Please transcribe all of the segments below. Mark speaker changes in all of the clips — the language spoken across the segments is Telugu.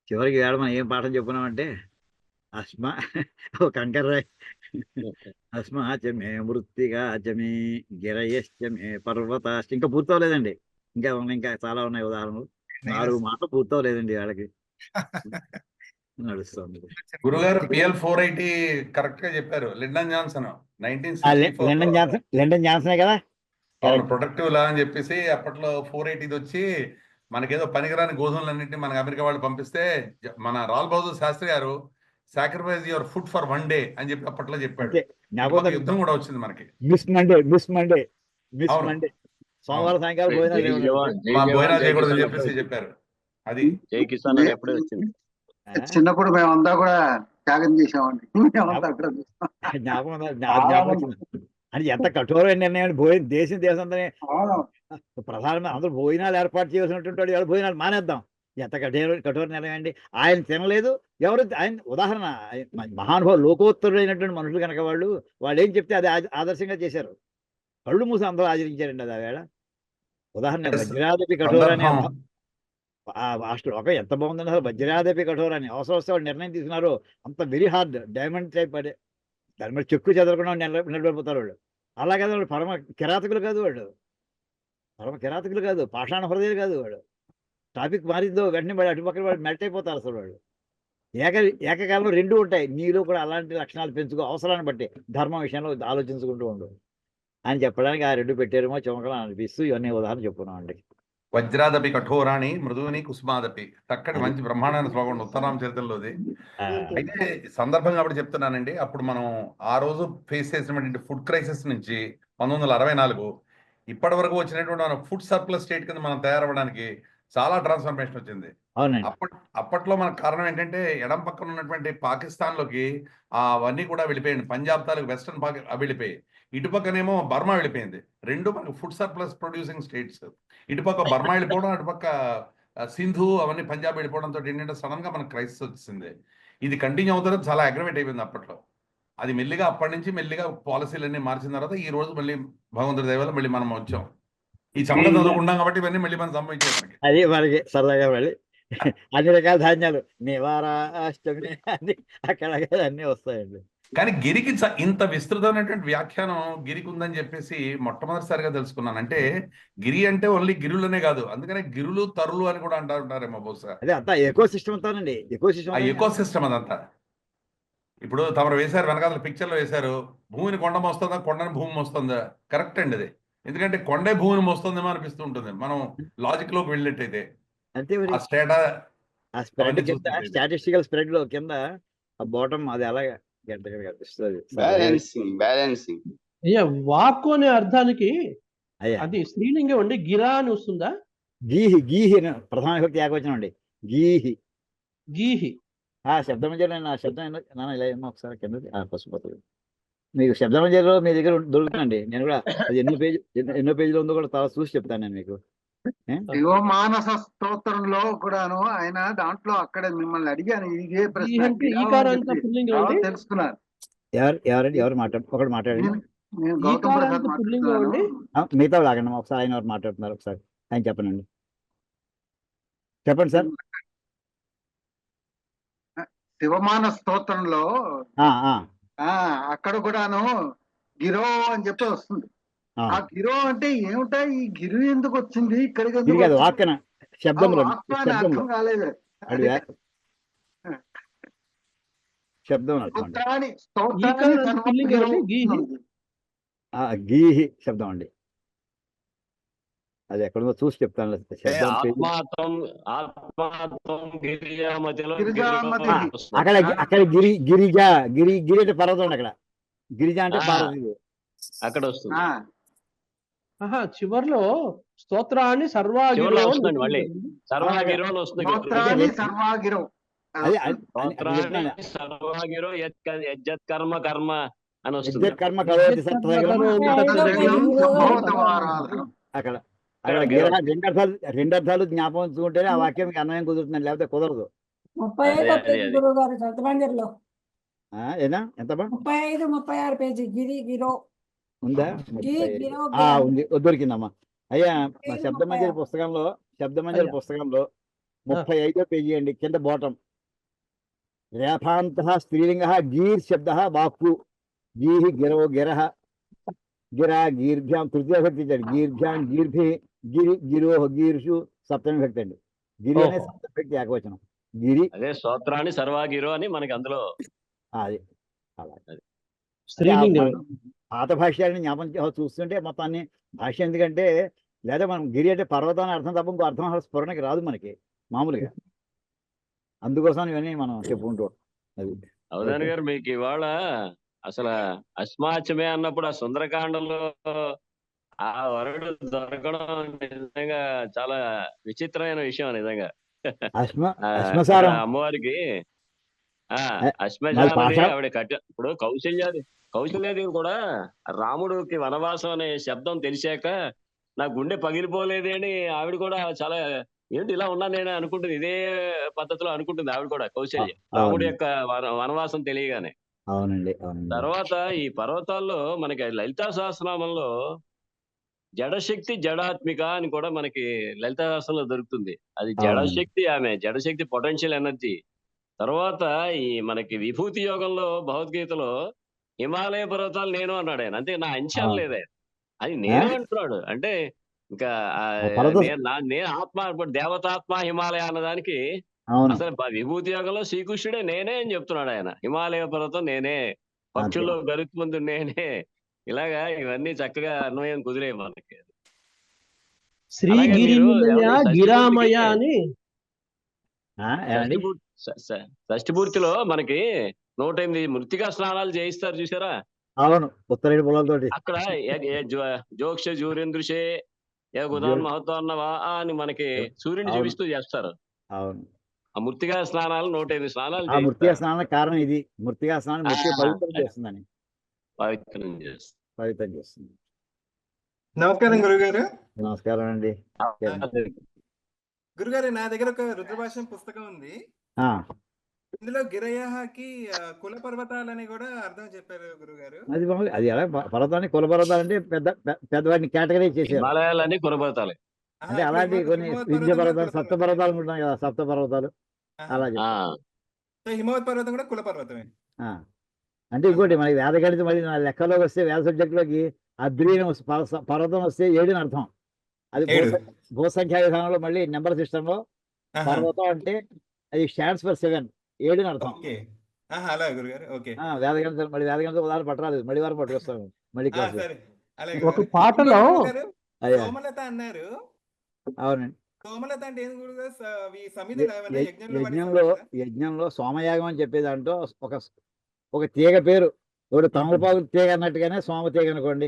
Speaker 1: చివరికి వేళ మనం ఏం పాఠం చెప్పుకున్నామంటే అస్మ ఓ కంకర్రాయ్ అస్మా చమే మృత్తిగా చమే గిరయశ్చమే పర్వతాశ్చ ఇంకా పూర్తవలేదండి. ఇంకా ఉన్నాయి, ఇంకా చాలా ఉన్నాయి ఉదాహరణలు. 4 మాటలు పూర్తవలేదండి వాళ్ళకి. నడుస్తుంది.
Speaker 2: గురుగారు పిఎల్ 480 కరెక్ట్ గా చెప్పారు. లిండన్ జాన్సన్ 1964
Speaker 1: లిండన్ జాన్సనే కదా.
Speaker 2: అవును, ప్రొడక్టివ్ లా అని చెప్పేసి అప్పట్లో 480 వచ్చి మనకేదో పనికిరాని గోధుమలన్నింటినీ మనకి అమెరికా వాళ్ళు పంపిస్తే మన రాల్ బహదూర్ శాస్త్రి గారు sacrifice your food for 1 day అని చెప్పి అప్పట్లో చెప్పాడు. యుద్ధం కూడా వచ్చింది మనకి.
Speaker 1: మిస్ మండే సోమవారం సాయంకాలం
Speaker 2: భోజనాలు చేయకూడదని చెప్పేసి చెప్పారు. అది
Speaker 3: జై కిసాన్ అని ఎప్పుడే వచ్చింది.
Speaker 4: చిన్నప్పుడు మేమంతా కూడా త్యాగం చేసామండి.
Speaker 1: జ్ఞాపకం అని ఎంత కఠోరమైన నిర్ణయం. దేశం అంతా ప్రధానమంత్రి అందరూ భోజనాలు ఏర్పాటు చేయవలసినటువంటి వాడు భోజనాలు మానేద్దాం. ఎంత కఠోర నిర్ణయం అండి. ఆయన తినలేదు, ఎవరు ఆయన ఉదాహరణ మహానుభావులు లోకోత్తరుడైనటువంటి మనుషులు కనుక వాళ్ళు ఏం చెప్తే అది ఆదర్శంగా చేశారు. కళ్ళు మూసి అందరూ ఆచరించారండి. అది ఆ వేళ ఉదాహరణ వజ్రాదపి కఠోరాన్ని ఆ శ్లోకం ఎంత బాగుందండి అసలు. వజ్రాదపి కఠోరాన్ని అవసరం వస్తే వాళ్ళు నిర్ణయం తీసుకున్నారు. అంత వెరీ హార్డ్ డైమండ్ టైప్ అదే దాని మీద చెక్కు చెదరకుండా నిలబడిపోతారు వాళ్ళు. అలాగే వాళ్ళు పరమ కిరాతకులు కాదు, పాషాణ హృదయాలు కాదు వాళ్ళు. టాపిక్ మారిందో వెంటనే వాడు అటుపక్కన వాడు మెల్ట్ అయిపోతారు అసలు వాళ్ళు. ఏకకాలంలో 2 ఉంటాయి. నీలో కూడా అలాంటి లక్షణాలు పెంచుకో, అవసరాన్ని బట్టి ధర్మం విషయంలో ఆలోచించుకుంటూ ఉండు అని చెప్పడానికి ఆ 2 పెట్టారేమో చమకలు అనిపిస్తూ ఇవన్నీ ఉదాహరణ చెప్పుకున్నాం అండి.
Speaker 2: వజ్రాదపి కఠోరాణి మృదువుని కుసుమాదపి చక్కటి మంచి బ్రహ్మాండమైన శ్లోకం ఉత్తరామ చరిత్రలోది. అయితే సందర్భం కాబట్టి చెప్తున్నానండి. అప్పుడు మనం ఆ రోజు ఫేస్ చేసినటువంటి ఫుడ్ క్రైసిస్ నుంచి 1964 ఇప్పటి వరకు వచ్చినటువంటి మన ఫుడ్ సర్ప్లస్ స్టేట్ కింద మనం తయారవ్వడానికి చాలా ట్రాన్స్ఫర్మేషన్ వచ్చింది. అప్పట్లో మనకు కారణం ఏంటంటే ఎడం పక్కన ఉన్నటువంటి పాకిస్తాన్ లోకి అవన్నీ కూడా వెళ్ళిపోయింది. పంజాబ్ తాలూకు వెస్టర్న్ వెళ్ళిపోయి, ఇటుపక్కనేమో బర్మా వెళ్ళిపోయింది. 2 మనకు ఫుడ్ సర్ప్లస్ ప్రొడ్యూసింగ్ స్టేట్స్. ఇటుపక్క బర్మా వెళ్ళిపోవడం, అటుపక్క సింధు అవన్నీ పంజాబ్ వెళ్ళిపోవడంతో ఏంటంటే సడన్ గా మనకు క్రైసిస్ వచ్చింది. ఇది కంటిన్యూ అవుతుంది, చాలా అగ్రవేట్ అయిపోయింది అప్పట్లో. అది మెల్లిగా అప్పటి నుంచి మెల్లిగా పాలసీలన్నీ మార్చిన తర్వాత ఈ రోజు మళ్ళీ భగవంతుడి దయ వల్ల మళ్ళీ మనం వచ్చాం. ఈ చమక చదువుకుంటాం కాబట్టి ఇవన్నీ మళ్ళీ మనం సంభవించాయి మనకి.
Speaker 1: అది మనకి సరదాగా మళ్ళీ అన్ని రకాల ధాన్యాలు నివారాష్టమి అన్ని అక్కడ అన్నీ వస్తాయండి.
Speaker 2: కానీ గిరికి ఇంత విస్తృతమైనటువంటి వ్యాఖ్యానం గిరికి ఉందని చెప్పేసి మొట్టమొదటిసారిగా తెలుసుకున్నాను. అంటే గిరి అంటే ఓన్లీ గిరులనే కాదు, అందుకనే గిరులు తరులు అని కూడా అంటారేమో బహుశా.
Speaker 1: అదే అంతా ఎకో సిస్టమ్ అంతానండి.
Speaker 2: ఎకో సిస్టమ్ అదంతా. ఇప్పుడు తమరు వేశారు, వెనకాల పిక్చర్లో వేశారు, భూమిని కొండ మోస్తుందా, కొండని భూమి మోస్తుందా? కరెక్ట్ అండి అది. ఎందుకంటే కొండే భూమిని మోస్తుందేమో అనిపిస్తూ ఉంటుంది మనం లాజిక్ లోకి వెళ్ళినట్టయితే.
Speaker 1: అంతే మరి. స్టాటిస్టికల్ స్ప్రెడ్ లో కింద బాటమ్ అది అలాగే
Speaker 5: వాక్కు అనే అర్థానికి అది స్త్రీలింగం అండి. గిరా అని వస్తుందా?
Speaker 1: గీహి ప్రధాన విభక్తి ఏకవచనం అండి. గీహి శబ్దమంజరి. నా శబ్దం నాన్న ఇలా ఏమో ఒకసారి కింద పసుపతి మీకు శబ్దమంజరిలో మీ దగ్గర దొరుకుతుందండి. నేను కూడా అది ఎన్నో పేజీలో ఉందో కూడా చాలా చూసి చెప్తాను నేను మీకు.
Speaker 4: మానస స్తోత్రంలో కూడాను ఆయన దాంట్లో అక్కడ మిమ్మల్ని అడిగాను ఇదే ప్రశ్న తెలుసుకున్నారు.
Speaker 1: ఎవరు ఒకటి మాట్లాడండి. మిగతా లాగండి ఒకసారి. ఆయన ఎవరు మాట్లాడుతున్నారు ఒకసారి ఆయన చెప్పండి. చెప్పండి సార్.
Speaker 4: శివమాన స్తోత్రంలో అక్కడ కూడాను గిరో అని చెప్పి వస్తుంది. ఆ గిరో అంటే ఏమిటా, ఈ గిరు ఎందుకు వచ్చింది ఇక్కడికి? అర్థం కాలేదు.
Speaker 1: గీహి శబ్దం అండి. అది ఎక్కడో చూసి చెప్తాను. అక్కడ గిరిజ అంటే పర్వతం అండి. అక్కడ గిరిజ అంటే పార్వతి
Speaker 3: అక్కడ వస్తుంది.
Speaker 5: చివర్లో స్తోత్రాన్ని సర్వాగిరో
Speaker 3: కర్మ అని వస్తుంది.
Speaker 1: అక్కడ 2 అర్థాలు జ్ఞాపకం ఉంచుకుంటేనే ఆ వాక్యం అన్వయం కుదురుతుంది, లేకపోతే కుదరదు.
Speaker 6: 35 గురువుగారు శబ్దమంజరిలో
Speaker 1: ఏనా ఎంత
Speaker 6: 35, 36 పేజీ గిరో
Speaker 1: ఉందా? ఉంది, దొరికిందమ్మా. అయ్యా శబ్దమంజరి పుస్తకంలో 35వ పేజీ అండి, కింద బాటం. రేఫాంత స్త్రీలింగ గీర్ శబ్ద వాక్కు గీహి గిరో గిరహ గిరా గీర్భ్యాం తృతీయ భక్తి ఇచ్చాడు. గీర్భ్యాం గీర్భి గిరి గిరోహ గీర్షు సప్తమి భక్తి అండి. గిరి అనే సప్తమి భక్తి ఏకవచనం. గిరి
Speaker 3: అదే స్తోత్రాన్ని సర్వాగిరో అని మనకి అందులో
Speaker 1: అది అలా
Speaker 5: స్త్రీలింగం.
Speaker 1: పాత భాష్యాన్ని జ్ఞాపకం చూస్తుంటే మొత్తాన్ని భాష్యం ఎందుకంటే లేదా మనం గిరి అంటే పర్వతం అని అర్థం తప్ప ఇంకో అర్థం స్ఫురణకి రాదు మనకి మామూలుగా. అందుకోసం ఇవన్నీ మనం చెప్పుకుంటూ అది.
Speaker 3: అవధాని గారు మీకు ఇవాళ అసలు అస్మాచమే అన్నప్పుడు ఆ సుందరకాండంలో ఆ వరుడు దొరకడం నిజంగా చాలా విచిత్రమైన విషయం నిజంగా.
Speaker 1: అశ్మసారం
Speaker 3: అమ్మవారికి
Speaker 1: మరి
Speaker 3: అశ్మశాలని
Speaker 1: పాషా
Speaker 3: ఆవిడ ఇప్పుడు కౌశల్యాదేవి కూడా రాముడికి వనవాసం అనే శబ్దం తెలిసాక నా గుండె పగిలిపోలేదే అని ఆవిడ కూడా చాలా ఏంటి ఇలా ఉన్నా నేను అనుకుంటుంది, ఇదే పద్ధతిలో అనుకుంటుంది ఆవిడ కూడా కౌశల్య, రాముడి యొక్క వనవాసం తెలియగానే.
Speaker 1: అవునండి.
Speaker 3: తర్వాత ఈ పర్వతాల్లో మనకి లలితా సహస్రనామంలో జడశక్తి జడాత్మిక అని కూడా మనకి లలితా సహస్రంలో దొరుకుతుంది. అది జడశక్తి, ఆమె జడశక్తి పొటెన్షియల్ ఎనర్జీ. తర్వాత ఈ మనకి విభూతి యోగంలో భగవద్గీతలో హిమాలయ పర్వతాలు నేను అన్నాడు ఆయన. అంతే, నా అంశాలు లేదే అది నేను అంటున్నాడు. అంటే ఇంకా నేను ఆత్మ ఇప్పుడు దేవతాత్మ హిమాలయ అన్నదానికి అసలు విభూతి యోగంలో శ్రీకృష్ణుడే నేనే అని చెప్తున్నాడు ఆయన. హిమాలయ పర్వతం నేనే, పక్షుల్లో గరుత్మందు నేనే. ఇలాగా ఇవన్నీ చక్కగా అన్వయం కుదిరే మనకి.
Speaker 5: శ్రీగిరి గిరామయ అని
Speaker 3: షష్ఠి పూర్తిలో మనకి 108 మృతికా స్నానాలు చేయిస్తారు చూసారా?
Speaker 1: అవును, ఉత్తరేడు పొలాలతోటి.
Speaker 3: అక్కడ జోక్ష జూరేంద్రుషే గుదాన్ మహత్వన్నవా అని మనకి సూర్యుని చూపిస్తూ చేస్తారు.
Speaker 1: అవును,
Speaker 3: ఆ మృతికా స్నానాలు 108 స్నానాలు.
Speaker 1: ఆ మృతికా స్నానానికి కారణం ఇది. మృతికా స్నానం పవిత్రం చేస్తుందని, పవిత్రం చేస్తుంది.
Speaker 7: నమస్కారం గురుగారు.
Speaker 1: నమస్కారం అండి.
Speaker 7: గురుగారు, నా దగ్గర ఒక రుద్రభాష్యం పుస్తకం ఉంది. ఇందులో గిరయకి కుల పర్వతాలని కూడా అర్థం చెప్పారు గురుగారు.
Speaker 1: అది ఎలా పర్వతాన్ని కుల పర్వతాలు అంటే పెద్దవాడిని కేటగిరీ చేశారు.
Speaker 3: హిమాలయాలని కుల పర్వతాలే
Speaker 1: అంటే అలాంటి కొన్ని విద్య పర్వతాలు, సప్త పర్వతాలు ఉంటాయి కదా, సప్త పర్వతాలు అలా
Speaker 7: హిమవత్ పర్వతం కూడా కుల పర్వతమే.
Speaker 1: అంటే ఇంకోటి మనకి వేద గణితం మళ్ళీ నా లెక్కలోకి వస్తే వేద సబ్జెక్ట్ లోకి అద్రీన పర్వతం వస్తే 7 అని అర్థం. అది భూసంఖ్యా విధానంలో మళ్ళీ నెంబర్ సిస్టమ్ లో పర్వతం అంటే అది స్టాండ్స్ ఫర్ 7, 7 అని అర్థం. వేద గణితం మళ్ళీ వేద గణితం ఉదాహరణ పట్టరాదు, మళ్ళీ వారు పట్టుకొస్తాము మళ్ళీ
Speaker 5: ఒక పాటలో
Speaker 7: సోమలత అన్నారు.
Speaker 1: అవునండి.
Speaker 7: సోమలత అంటే
Speaker 1: యజ్ఞంలో సోమయాగం అని చెప్పే దాంట్లో ఒక తీగ పేరు, ఒకటి తమలపాకు తీగ అన్నట్టుగానే సోమ తీగ అనుకోండి.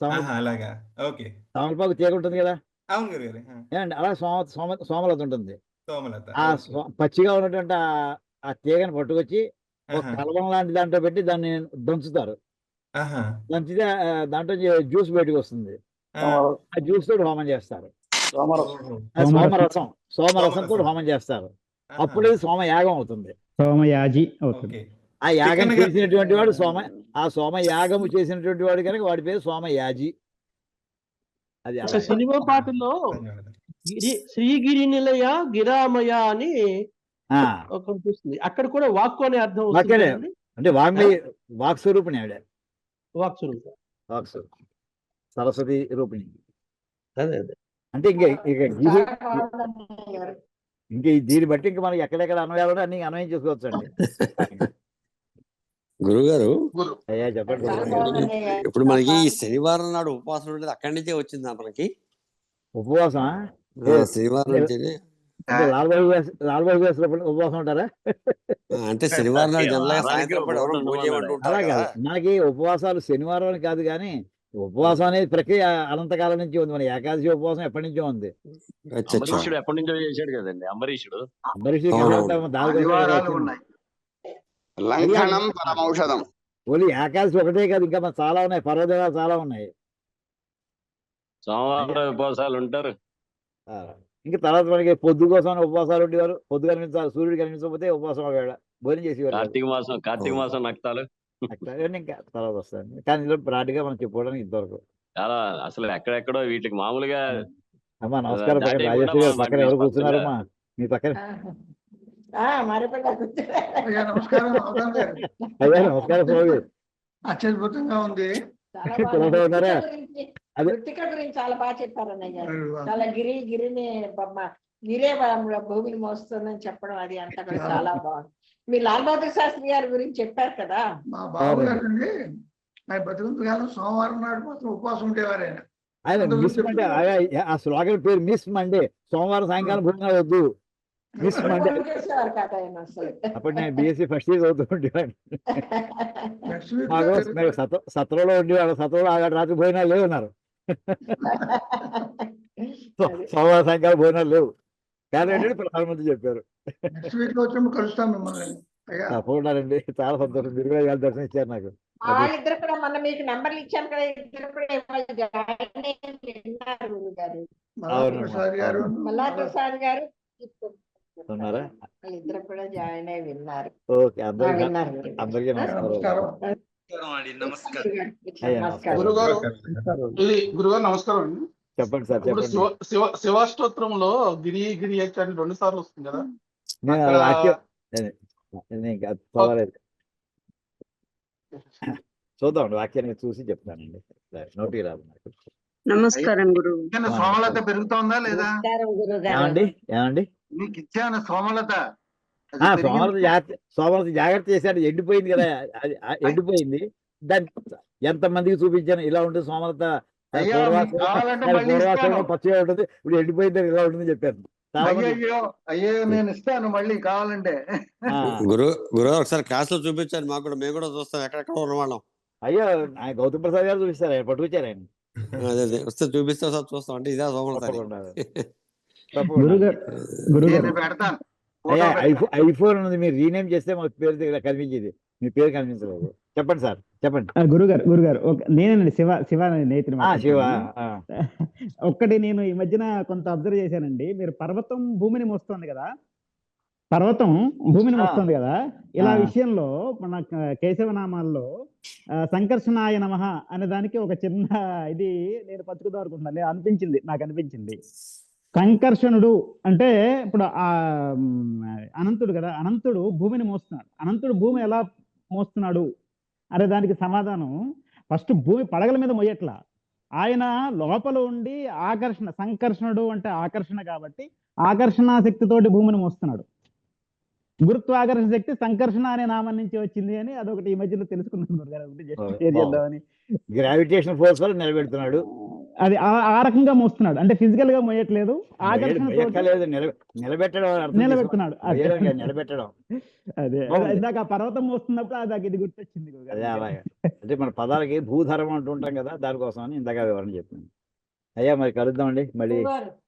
Speaker 1: తమలపాకు తీగ ఉంటుంది కదా, ఏమండి అలా సోమలత ఉంటుంది. ఆ పచ్చిగా ఉన్నటువంటి ఆ తీగని పట్టుకొచ్చి ఒక కలవం లాంటి దాంట్లో పెట్టి దాన్ని దంచుతారు. దంచితే దాంట్లో జ్యూస్ బయటకు వస్తుంది. ఆ జ్యూస్ తోటి హోమం చేస్తారు. సోమరసం కూడా హోమం చేస్తారు. అప్పుడు సోమయాగం అవుతుంది.
Speaker 8: సోమయాజి అవుతుంది.
Speaker 1: ఆ యాగం చేసినటువంటి వాడు ఆ సోమయాగము చేసినటువంటి వాడు కనుక వాడి పేరు సోమయాజి. అది
Speaker 5: సినిమా పాటలో శ్రీగిరి నిలయ గిరామయ అని వస్తుంది. అక్కడ కూడా వాక్కు అనే అర్థం
Speaker 1: అంటే వాక్ స్వరూపిణి ఆవిడ. వాక్ సరస్వతి రూపిణి. అంటే ఇంకా దీన్ని బట్టి ఇంకా మనకి ఎక్కడెక్కడ అన్వయాలు అన్ని అన్వయం చేసుకోవచ్చు అండి.
Speaker 9: గురుగారు,
Speaker 1: అయ్యా చెప్పండి.
Speaker 9: ఇప్పుడు మనకి శనివారం నాడు ఉపవాసం ఉండేది అక్కడి నుంచే వచ్చిందా మనకి?
Speaker 1: ఉపవాసం
Speaker 9: శనివారం నుంచి
Speaker 1: ఉపవాసం ఉంటారా?
Speaker 9: అంటే శనివారం నాడు జనరల్గా సాయంత్రం
Speaker 1: అలాగే మనకి ఉపవాసాలు శనివారం కాదు, కానీ ఉపవాసం అనేది ప్రక్రియ అనంతకాలం నుంచి ఉంది. మన ఏకాదశి ఉపవాసం ఎప్పటి నుంచో ఉంది.
Speaker 3: అంబరీషుడు ఎప్పటి నుంచో చేశాడు కదండి. అంబరీషుడు
Speaker 1: ఓన్లీ ఏకాదశి ఒకటే కాదు, ఇంకా మన చాలా ఉన్నాయి, పర్వదినాలు చాలా ఉన్నాయి.
Speaker 3: సోమవారం ఉపవాసాలు ఉంటారు.
Speaker 1: ఇంకా తర్వాత మనకి పొద్దు కోసం ఉపవాసాలు ఉండేవారు. పొద్దు కనిపించాలి, సూర్యుడు కనిపించకపోతే ఉపవాసం భోజనం చేసేవారు.
Speaker 3: కార్తీక మాసం నక్తాలు
Speaker 1: ఇంకా తర్వాత వస్తాయండి. కానీ ఇందులో బ్రాడ్గా మనం చెప్పుకోవడానికి ఇంతవరకు
Speaker 3: చాలా అసలు ఎక్కడెక్కడో వీటికి మామూలుగా.
Speaker 1: అమ్మా నమస్కారం. రాజేశ్వరి గారు పక్కన ఎవరు కూర్చున్నారమ్మా? మీ పక్కన.
Speaker 4: అయ్యా నమస్కారం అవధాన్ గారు.
Speaker 1: అయ్యా నమస్కారం స్వామి.
Speaker 4: అత్యద్భుతంగా ఉంది.
Speaker 1: ఉన్నారా? అదే
Speaker 10: మృతిక గురించి చాలా బాగా చెప్పారు అన్నయ్య గారు. చాలా గిరిని గిరే భూమిని మోస్తుందని చెప్పడం అది అంతా కూడా చాలా బాగుంది. మీరు లాల్ బహదూర్ శాస్త్రి గారి గురించి చెప్పారు కదా.
Speaker 4: మా బావగారు అండి ఆయన బతుకుంత కాలం సోమవారం నాడు మాత్రం ఉపవాసం ఉండేవారు ఆయన.
Speaker 1: ఆయన మిస్ మండే ఆ స్లోగన్ పేరు మిస్ మండే. సోమవారం సాయంకాలం భోజనాలు వద్దు, మిస్ మండే.
Speaker 10: చేసేవారు కదా ఆయన అసలు.
Speaker 1: అప్పుడు నేను బీఎస్సీ ఫస్ట్ ఇయర్ చదువుతూ ఉండేవాడిని.
Speaker 4: నెక్స్ట్ వీక్
Speaker 1: మాకు సత్రంలో ఉండేవాడు. సత్రంలో ఆగాడు రాత్రి భోజనాలు లేవు అన్నారు. సోమవారం సాయంకాలం భోజనాలు లేవు కానీ ఏంటంటే ప్రధానమంత్రి చెప్పారు.
Speaker 4: నెక్స్ట్ వీక్ లో వచ్చినప్పుడు కలుస్తాం మిమ్మల్ని. అయ్యా
Speaker 1: తప్పకుండానండి, చాలా సంతోషం. మీరు కూడా ఇవాళ దర్శనం ఇచ్చారు నాకు.
Speaker 10: వాళ్ళిద్దరు కూడా మొన్న మీకు నెంబర్లు ఇచ్చాను కదా, ఇద్దరు కూడా ఇవాళ జాయిన్ అయ్యి విన్నారు గురుగారు.
Speaker 4: మల్లార్ ప్రసాద్ గారు
Speaker 10: మల్లార్ ప్రసాద్ గారు
Speaker 1: ఉన్నారా?
Speaker 10: వాళ్ళిద్దరు కూడా జాయిన్ అయ్యి విన్నారు.
Speaker 1: ఓకే, అందరికీ
Speaker 10: విన్నారు.
Speaker 1: అందరికీ
Speaker 4: నమస్కారం.
Speaker 10: నమస్కారం.
Speaker 11: గురుగారు గురుగారు నమస్కారం అండి.
Speaker 1: చెప్పండి సార్,
Speaker 11: ఇప్పుడు
Speaker 1: చెప్పండి.
Speaker 11: శివాష్టోత్రంలో గిరి గిరి అని 2 సార్లు వస్తుంది కదా.
Speaker 1: నేను
Speaker 11: అక్కడ-
Speaker 1: వాక్యం నేను చదవలేదు. చూద్దాం, వాక్యాన్ని చూసి చెప్తానండి. నోటికి రాదు నాకు.
Speaker 12: నమస్కారం గురు.
Speaker 4: ఇచ్చిన సోమలత పెరుగుతోందా లేదా?
Speaker 10: నమస్కారం గురుగారు.
Speaker 1: ఏమండి ఏమండి
Speaker 4: మీకు ఇచ్చాను సోమలత. అది పెరిగింది.
Speaker 1: సోమవారం జాగ్రత్త చేశాడు. ఎండిపోయింది కదా, అది ఎండిపోయింది. దాన్ని ఎంతమందికి చూపించాను ఇలా ఉంటుంది సోమలత.
Speaker 4: అయ్యా, మీకు కావాలంటే మళ్ళీ
Speaker 1: పూర్వాసంలో
Speaker 4: ఇస్తాను.
Speaker 1: పచ్చిగా ఉంటుంది, ఇప్పుడు ఎండిపోయింది ఇలా ఉంటుంది చెప్పాను. చాలా మంది-
Speaker 4: అయ్యో నేను ఇస్తాను మళ్ళీ కావాలంటే.
Speaker 1: ఆ,
Speaker 9: గురుగారు ఒకసారి క్లాస్ లో చూపించారు మాకు కూడా, మేము కూడా చూస్తాం ఎక్కడెక్కడ ఉన్నవాళ్ళం.
Speaker 1: అయ్యో ఆయన గౌతమ్ ప్రసాద్ గారు చూపిస్తారు, ఆయన పట్టుకొచ్చారు ఆయన.
Speaker 9: అదే వస్తే చూపిస్తే ఒకసారి చూస్తాం. అంటే ఇదే సోమవారం
Speaker 1: తప్పకుండా తప్పకుండా.
Speaker 8: గురుగారు గురుగారు
Speaker 4: నేను పెడతాను.
Speaker 1: అయ్యా,
Speaker 4: ఫోటో పెడతాను.
Speaker 1: ఐఫోన్ ఉంది, మీరు రీనేమ్ చేస్తే మా పేరు ఇలా కనిపించేది. మీ పేరు కనిపించలేదు. చెప్పండి సార్, చెప్పండి.
Speaker 8: గురుగారు నేనండి శివ నేతిని
Speaker 1: శివ.
Speaker 8: ఒక్కటి నేను ఈ మధ్యన కొంత అబ్జర్వ్ చేశానండి. మీరు పర్వతం భూమిని మోస్తుంది కదా, పర్వతం భూమిని మోస్తుంది కదా, ఇలా విషయంలో మన కేశవనామాల్లో సంకర్షణాయ నమః అనే దానికి ఒక చిన్న ఇది నేను పంచుకుందాం అనుకుంటున్నాను. నాకు అనిపించింది సంకర్షణుడు అంటే ఇప్పుడు ఆ అనంతుడు కదా, అనంతుడు భూమిని మోస్తున్నాడు. అనంతుడు భూమి ఎలా మోస్తున్నాడు అనే దానికి సమాధానం ఫస్ట్ భూమి పడగల మీద మొయ్యట్లా, ఆయన లోపల ఉండి సంకర్షణుడు అంటే ఆకర్షణ కాబట్టి ఆకర్షణ శక్తితోటి భూమిని మోస్తున్నాడు. గురుత్వాకర్షణ శక్తి సంకర్షణ అనే నామం నుంచి వచ్చింది అని అదొకటి ఈ మధ్యలో తెలుసుకున్నాను.
Speaker 1: గ్రావిటేషన్ ఫోర్స్ వల్ల నిలబెడుతున్నాడు.
Speaker 8: అది ఆ రకంగా మోస్తున్నాడు, అంటే ఫిజికల్ గా మోయట్లేదు, ఆకర్షణ నిలబెడుతున్నాడు.
Speaker 1: నిలబెట్టడం.
Speaker 8: అదే ఇందాక పర్వతం మోస్తున్నప్పుడు అది ఇది గుర్తొచ్చింది.
Speaker 1: అదే అలాగే, అంటే మన పదాలకి భూధర్మం అంటుంటాం కదా, దానికోసం అని ఇందాక వివరణ చెప్పాను. అయ్యా మరి కలుద్దామండి మళ్ళీ.